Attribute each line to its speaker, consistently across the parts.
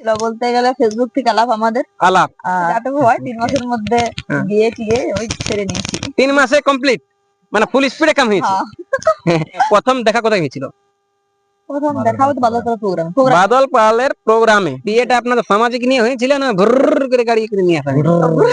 Speaker 1: বলতে গেলে ফেসবুক থেকে আলাপ আমাদের
Speaker 2: আলাপ
Speaker 1: যাটুকু হয় 3 মাসের মধ্যে বিয়ে টিয়ে ওই ছেড়ে নিয়েছি।
Speaker 2: 3 মাসে কমপ্লিট, মানে ফুল স্পিডে কাম হয়েছে। প্রথম দেখা কোথায় হয়েছিল?
Speaker 1: প্রথম দেখা হতো বাদল পালের প্রোগ্রাম।
Speaker 2: বাদল পালের প্রোগ্রামে। বিয়েটা আপনাদের সামাজিক নিয়ে হয়েছিল না ভুর করে গাড়ি করে নিয়ে আসা হয়েছিল?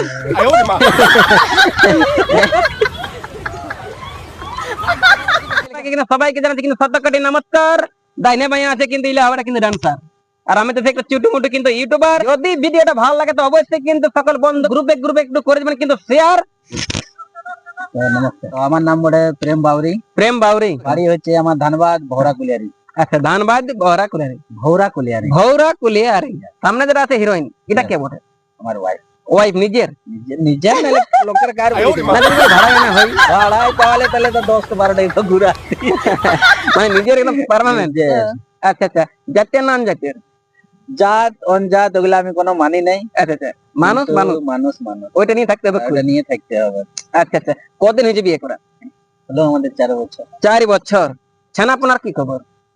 Speaker 2: সবাইকে জানাচ্ছি কিন্তু সত্যকাটি নমস্কার। ডাইনে বাইরে আছে কিন্তু ইলা আমরা কিন্তু ডান্সার, আর আমি তো একটা ছোট মোটো কিন্তু ইউটিউবার। যদি ভিডিওটা ভালো লাগে তো অবশ্যই কিন্তু সকল বন্ধু গ্রুপে গ্রুপে একটু করে দেবেন কিন্তু শেয়ার।
Speaker 3: নমস্কার, আমার নাম বটে প্রেম বাউরি।
Speaker 2: প্রেম বাউরি,
Speaker 3: বাড়ি হচ্ছে আমার ধানবাদ ভৌরা কুলিয়ারি।
Speaker 2: আচ্ছা, ধানবাদ ভৌরা কুলিয়ারি।
Speaker 3: ভৌরা কুলিয়ারি,
Speaker 2: ভৌরা কুলিয়ারি। সামনে যেটা আছে হিরোইন, এটা কে বটে?
Speaker 3: আমার ওয়াইফ।
Speaker 2: ওয়াইফ নিজের?
Speaker 3: নিজের নালে লোকের কার
Speaker 2: ভাড়া না হয়?
Speaker 3: ভাড়ায় পাওয়ালে তাহলে তো 10-12টাই তো ঘুরা,
Speaker 2: মানে নিজের একদম পার্মানেন্ট। আচ্ছা আচ্ছা, জাতীয় নাম জাতীয়
Speaker 3: জাত অনজাত ওগুলা আমি কোনো মানি নাই।
Speaker 2: আচ্ছা আচ্ছা, মানুষ মানুষ
Speaker 3: মানুষ মানুষ
Speaker 2: ওইটা নিয়ে থাকতে হবে,
Speaker 3: ওটা নিয়ে থাকতে হবে।
Speaker 2: আচ্ছা আচ্ছা, কদিন হয়েছে বিয়ে করা?
Speaker 3: হলো আমাদের 4 বছর।
Speaker 2: 4 বছর। ছানা আপনার কি খবর?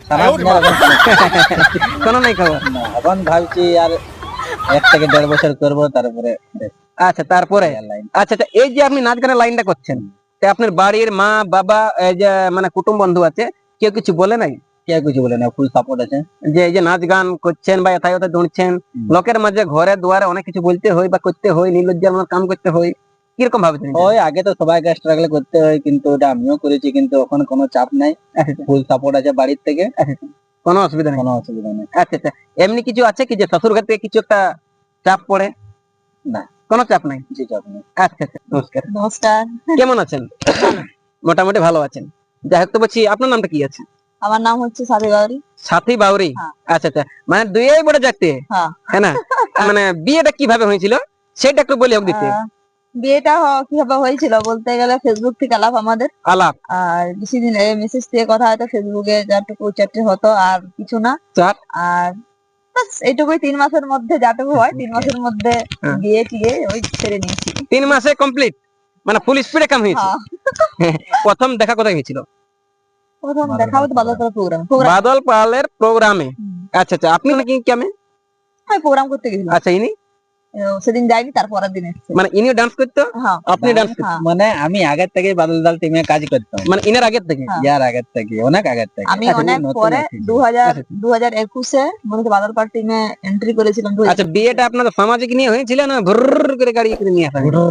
Speaker 2: কোনো নাই খবর?
Speaker 3: এখন ভাবছি আর 1 থেকে 1.5 বছর করবো, তারপরে।
Speaker 2: আচ্ছা, তারপরে আচ্ছা আচ্ছা, এই যে আপনি নাচ গানের লাইনটা করছেন, তা আপনার বাড়ির মা বাবা এই যে মানে কুটুম বন্ধু আছে, কেউ কিছু বলে নাই?
Speaker 3: কেউ কিছু বলে না, ফুল সাপোর্ট আছে।
Speaker 2: যে এই যে নাচ গান করছেন বা এথায় ওথায় দৌড়ছেন, লোকের মাঝে ঘরে দুয়ারে অনেক কিছু বলতে হয় বা করতে হয়, নির্লজ্জার মতো কাম করতে হয়, কিরকম ভাবছেন?
Speaker 3: ওই আগে তো সবাইকে স্ট্রাগল করতে হয়, কিন্তু ওটা আমিও করেছি, কিন্তু এখন কোনো চাপ নাই, ফুল সাপোর্ট আছে বাড়ির থেকে,
Speaker 2: কোনো অসুবিধা নেই?
Speaker 3: কোনো অসুবিধা নেই।
Speaker 2: আচ্ছা আচ্ছা, এমনি কিছু আছে কি যে শ্বশুর ঘর থেকে কিছু একটা চাপ পড়ে?
Speaker 3: না,
Speaker 2: কোনো চাপ নাই।
Speaker 3: জি চাপ নেই।
Speaker 2: আচ্ছা আচ্ছা, নমস্কার।
Speaker 1: নমস্কার,
Speaker 2: কেমন আছেন? মোটামুটি ভালো আছেন। যাই হোক, তো বলছি আপনার নামটা কি আছে?
Speaker 1: আমার নাম হচ্ছে সাথী বাউরি।
Speaker 2: সাথী বাউরি, আচ্ছা আচ্ছা, মানে দুইই বড় জাতি, হ্যাঁ না? মানে বিয়েটা কিভাবে হয়েছিল সেটা একটু বলি হোক দিতে।
Speaker 1: বিয়েটা কিভাবে হয়েছিল বলতে গেলে ফেসবুক থেকে আলাপ আমাদের
Speaker 2: আলাপ,
Speaker 1: আর বেশি দিন মেসেজ দিয়ে কথা হয়তো ফেসবুকে যাটুকু চ্যাটে হতো, আর কিছু না। আর বাস এইটুকুই, 3 মাসের মধ্যে যাটুকু হয় 3 মাসের মধ্যে বিয়ে টিয়ে ওই ছেড়ে নিয়েছি।
Speaker 2: 3 মাসে কমপ্লিট, মানে ফুল স্পিডে কাম হয়েছে। প্রথম দেখা কোথায় হয়েছিল?
Speaker 1: প্রথম দেখা হতো বাদল পালের প্রোগ্রাম।
Speaker 2: বাদল পালের প্রোগ্রামে। আচ্ছা আচ্ছা, আপনি নাকি কেমন
Speaker 1: প্রোগ্রাম করতে গেছিলাম?
Speaker 2: আচ্ছা, ইনি
Speaker 1: সেদিন যাইনি, তারপরের দিন এসেছে।
Speaker 2: মানে ইনিও ডান্স করতো, আপনি ডান্স করতেন?
Speaker 3: মানে আমি আগের থেকে বাদল দাল টিমে কাজ করতাম,
Speaker 2: মানে ইনার আগের থেকে?
Speaker 3: ইয়ার আগের থেকে, অনেক আগের থেকে।
Speaker 1: আমি অনেক পরে 2021-এ মনে হচ্ছে বাদল পাল টিমে এন্ট্রি করেছিলাম।
Speaker 2: আচ্ছা, বিয়েটা আপনাদের সামাজিক নিয়ে হয়েছিল না ভুর করে গাড়ি করে নিয়ে আসা হয়েছিল?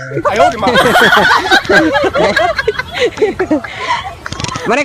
Speaker 2: মানে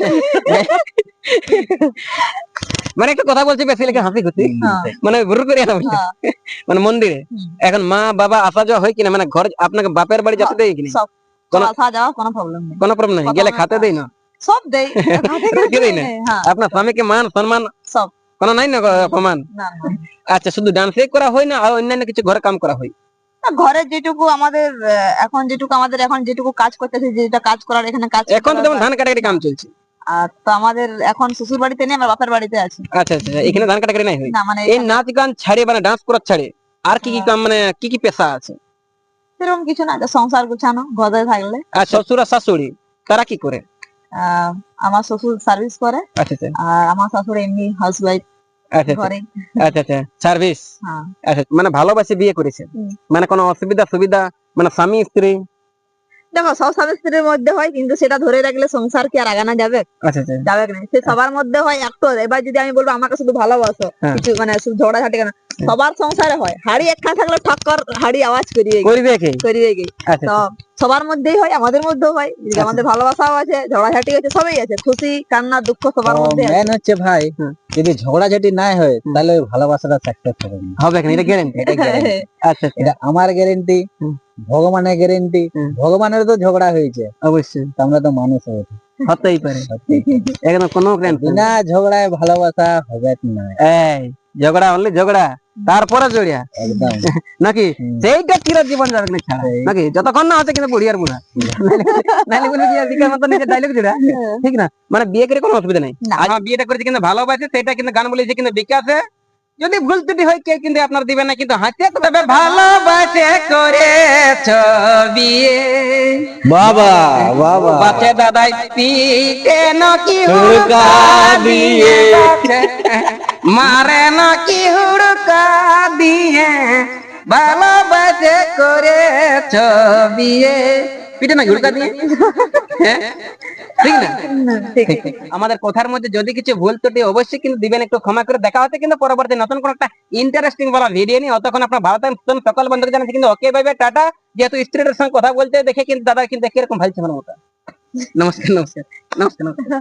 Speaker 2: মানে একটা কথা বলছি বেশি লেগে হাসি খুশি, মানে ভুর করে আনা হয়েছে মানে মন্দিরে। এখন মা বাবা আসা যাওয়া হয় কিনা, মানে ঘর আপনাকে বাপের বাড়ি যেতে দেয় কিনা?
Speaker 1: আসা যাওয়া কোনো প্রবলেম নেই,
Speaker 2: কোনো প্রবলেম নেই। গেলে খাতে দেয় না?
Speaker 1: সব দেয়,
Speaker 2: দেয় না? আপনার স্বামীকে মান সম্মান
Speaker 1: সব
Speaker 2: কোনো নাই না অপমান? আচ্ছা, শুধু ডান্সে করা হয় না আর অন্যান্য কিছু ঘরে কাম করা হয়?
Speaker 1: ঘরে যেটুকু আমাদের এখন যেটুকু কাজ করতেছে, যেটা কাজ করার এখানে কাজ,
Speaker 2: এখন তো যেমন ধান কাটাকাটি কাম চলছে।
Speaker 1: আর তো আমাদের এখন শ্বশুর বাড়িতে নেই, আমার বাপের বাড়িতে আছি।
Speaker 2: আচ্ছা আচ্ছা, এখানে ধান কাটাকাটি নাই হয়?
Speaker 1: না, মানে
Speaker 2: এই নাচ গান ছাড়ে মানে ডান্স করার ছাড়ে আর কি কি কাম, মানে কি কি পেশা আছে?
Speaker 1: সেরকম কিছু না, সংসার গুছানো ঘরে থাকলে।
Speaker 2: আর শ্বশুর আর শাশুড়ি তারা কি করে?
Speaker 1: আমার শ্বশুর সার্ভিস করে,
Speaker 2: আচ্ছা আচ্ছা,
Speaker 1: আর আমার শাশুড়ি এমনি হাউসওয়াইফ।
Speaker 2: আচ্ছা আচ্ছা আচ্ছা, সার্ভিস। আচ্ছা, মানে ভালোবাসে বিয়ে করেছে, মানে কোনো অসুবিধা সুবিধা, মানে স্বামী স্ত্রী?
Speaker 1: দেখো, সব স্বামী স্ত্রীর মধ্যে হয়, কিন্তু সেটা ধরে রাখলে সংসার কি আর আগানো যাবে?
Speaker 2: আচ্ছা আচ্ছা,
Speaker 1: যাবে না, সে সবার মধ্যে হয় একটু। এবার যদি আমি বলবো আমাকে শুধু ভালোবাসো, কিছু মানে শুধু ঝগড়াঝাটি কেন, সবার সংসারে হয়। হাড়ি একখানা থাকলে ঠক্কর হাড়ি আওয়াজ করিয়ে তো সবার মধ্যেই হয়, আমাদের মধ্যেও হয়। আমাদের ভালোবাসাও আছে, ঝগড়াঝাটি আছে, সবই আছে, খুশি কান্না দুঃখ সবার মধ্যে
Speaker 3: মেন হচ্ছে ভাই, যদি ঝগড়াঝাটি না হয় তাহলে ভালোবাসাটা সাকসেস হবে না।
Speaker 2: এটা গ্যারান্টি? আচ্ছা,
Speaker 3: এটা আমার গ্যারান্টি, ভগবানের গ্যারান্টি। ভগবানের তো ঝগড়া হয়েছে
Speaker 2: অবশ্যই,
Speaker 3: আমরা তো মানুষ হয়েছে,
Speaker 2: হতেই পারে, একদম কোনো গ্যারান্টি
Speaker 3: না। ঝগড়ায় ভালোবাসা হবে না,
Speaker 2: এই ঝগড়া হলে ঝগড়া, তারপরে জড়িয়া
Speaker 3: একদম
Speaker 2: নাকি? সেইটা চির জীবন যাবে না ছাড়া নাকি? যতক্ষণ না আছে কিন্তু বুড়ি আর বুড়া, নাইলে বলে বিয়ে দিকের মতো নিজের ডায়লগ জোড়া, ঠিক না? মানে বিয়ে করে কোনো অসুবিধা নেই। আর বিয়েটা করেছে কিন্তু ভালোবাসে, সেটা কিন্তু গান বলেছে কিন্তু বিকাশে। যদি ভুল ত্রুটি হয় কেউ কিন্তু আপনার দিবে না, কিন্তু হাতে তবে ভালোবাসে করেছ বিয়ে।
Speaker 3: বাবা বাবা,
Speaker 2: বাচ্চা দাদাই পিটে নাকি হুড়কা দিয়ে, মারে নাকি হুড়কা ভালোবাসে করেছ বিয়ে, পিঠে না ঘুরকা দিয়ে, হ্যাঁ ঠিক না?
Speaker 1: ঠিক।
Speaker 2: আমাদের কথার মধ্যে যদি কিছু ভুল ত্রুটি অবশ্যই কিন্তু দিবেন, একটু ক্ষমা করে। দেখা হচ্ছে কিন্তু পরবর্তী নতুন কোন একটা ইন্টারেস্টিং বলা ভিডিও নিয়ে। অতক্ষণ আপনার ভালো থাকেন, সকল বন্ধুকে জানাচ্ছি কিন্তু ওকে বাই বাই টাটা। যেহেতু স্ত্রীদের সঙ্গে কথা বলতে দেখে কিন্তু দাদা কিন্তু কিরকম ভাইছে আমার মতো। নমস্কার নমস্কার নমস্কার নমস্কার।